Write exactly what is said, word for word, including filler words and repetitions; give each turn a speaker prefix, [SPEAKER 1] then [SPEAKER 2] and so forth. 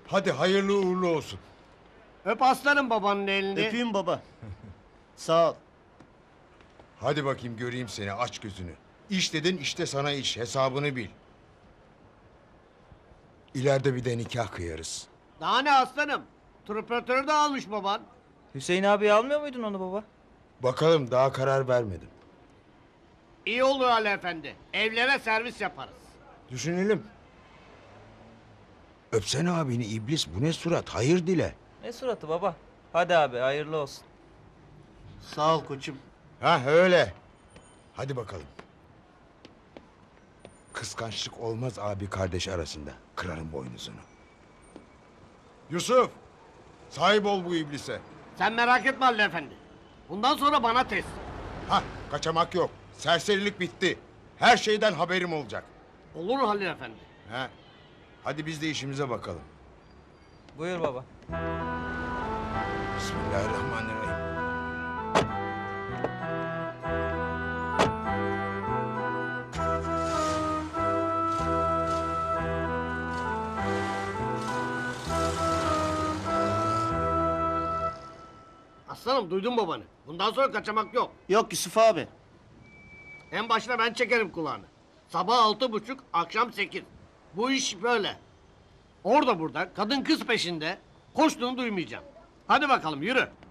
[SPEAKER 1] Hadi hayırlı uğurlu olsun.
[SPEAKER 2] Öp aslanım babanın elini.
[SPEAKER 3] Öpeyim baba. Sağ ol.
[SPEAKER 1] Hadi bakayım göreyim seni, aç gözünü. İş dedin, işte sana iş, hesabını bil. İleride bir de nikah kıyarız.
[SPEAKER 2] Daha ne aslanım? Truperatörü de almış baban.
[SPEAKER 4] Hüseyin abi almıyor muydun onu baba?
[SPEAKER 1] Bakalım, daha karar vermedim.
[SPEAKER 2] İyi olur Ali Efendi. Evlere servis yaparız.
[SPEAKER 1] Düşünelim. Öpsene abini iblis, bu ne surat, hayır dile.
[SPEAKER 4] Ne suratı baba? Hadi abi hayırlı olsun.
[SPEAKER 3] Sağ ol koçum.
[SPEAKER 1] Ha öyle. Hadi bakalım. Kıskançlık olmaz abi kardeş arasında. Kırarım boynuzunu. Yusuf, sahip ol bu iblise.
[SPEAKER 2] Sen merak etme Ali Efendi. Bundan sonra bana teslim.
[SPEAKER 1] Ha, kaçamak yok. Serserilik bitti. Her şeyden haberim olacak.
[SPEAKER 2] Olur Halil Efendi.
[SPEAKER 1] Ha. Hadi biz de işimize bakalım.
[SPEAKER 4] Buyur baba.
[SPEAKER 1] Bismillahirrahmanirrahim.
[SPEAKER 2] Aslanım duydun babanı. Bundan sonra kaçamak yok.
[SPEAKER 3] Yok Yusuf abi.
[SPEAKER 2] En başına ben çekerim kulağını. Sabah altı buçuk, akşam sekiz. Bu iş böyle. Orada burada, kadın kız peşinde. Koştuğunu duymayacağım. Hadi bakalım yürü.